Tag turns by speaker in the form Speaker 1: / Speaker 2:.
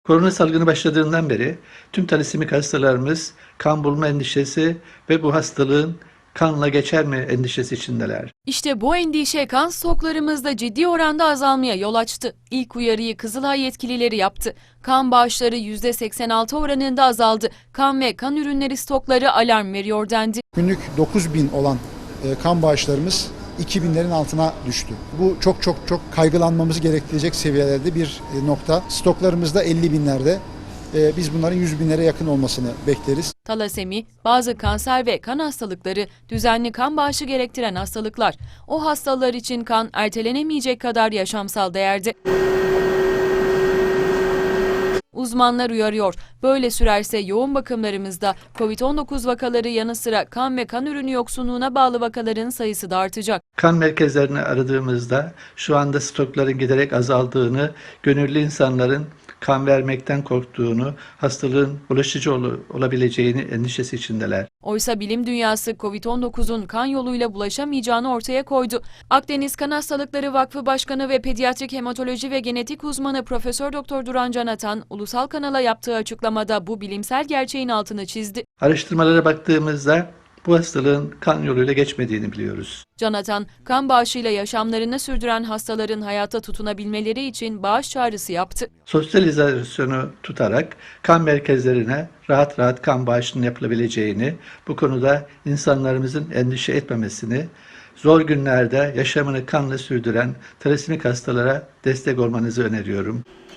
Speaker 1: Korona salgını başladığından beri tüm talisemik hastalarımız kan bulma endişesi ve bu hastalığın kanla geçer mi endişesi içindeler.
Speaker 2: İşte bu endişe kan stoklarımızda ciddi oranda azalmaya yol açtı. İlk uyarıyı Kızılay yetkilileri yaptı. Kan bağışları %86 oranında azaldı. Kan ve kan ürünleri stokları alarm veriyor dendi.
Speaker 3: Günlük 9.000 olan kan bağışlarımız 2.000'lerin altına düştü. Bu çok kaygılanmamız gerektirecek seviyelerde bir nokta. Stoklarımızda 50.000'lerde. Biz bunların 100.000'lere yakın olmasını bekleriz.
Speaker 2: Talasemi, bazı kanser ve kan hastalıkları düzenli kan bağışı gerektiren hastalıklar. O hastalar için kan ertelenemeyecek kadar yaşamsal değerde. Uzmanlar uyarıyor. Böyle sürerse yoğun bakımlarımızda COVID-19 vakaları yanı sıra kan ve kan ürünü yoksunluğuna bağlı vakaların sayısı da artacak.
Speaker 1: Kan merkezlerini aradığımızda şu anda stokların giderek azaldığını, gönüllü insanların kan vermekten korktuğunu, hastalığın bulaşıcı olabileceğini endişesi içindeler.
Speaker 2: Oysa bilim dünyası COVID-19'un kan yoluyla bulaşamayacağını ortaya koydu. Akdeniz Kan Hastalıkları Vakfı Başkanı ve Pediatrik Hematoloji ve Genetik uzmanı Profesör Doktor Duran Canatan, ulusal kanala yaptığı açıklamada bu bilimsel gerçeğin altını çizdi.
Speaker 1: Araştırmalara baktığımızda bu hastalığın kan yoluyla geçmediğini biliyoruz.
Speaker 2: Canatan, kan bağışıyla yaşamlarını sürdüren hastaların hayata tutunabilmeleri için bağış çağrısı yaptı.
Speaker 1: Sosyal izolasyonu tutarak kan merkezlerine rahat rahat kan bağışının yapılabileceğini, bu konuda insanlarımızın endişe etmemesini, zor günlerde yaşamını kanla sürdüren talisemik hastalara destek olmanızı öneriyorum.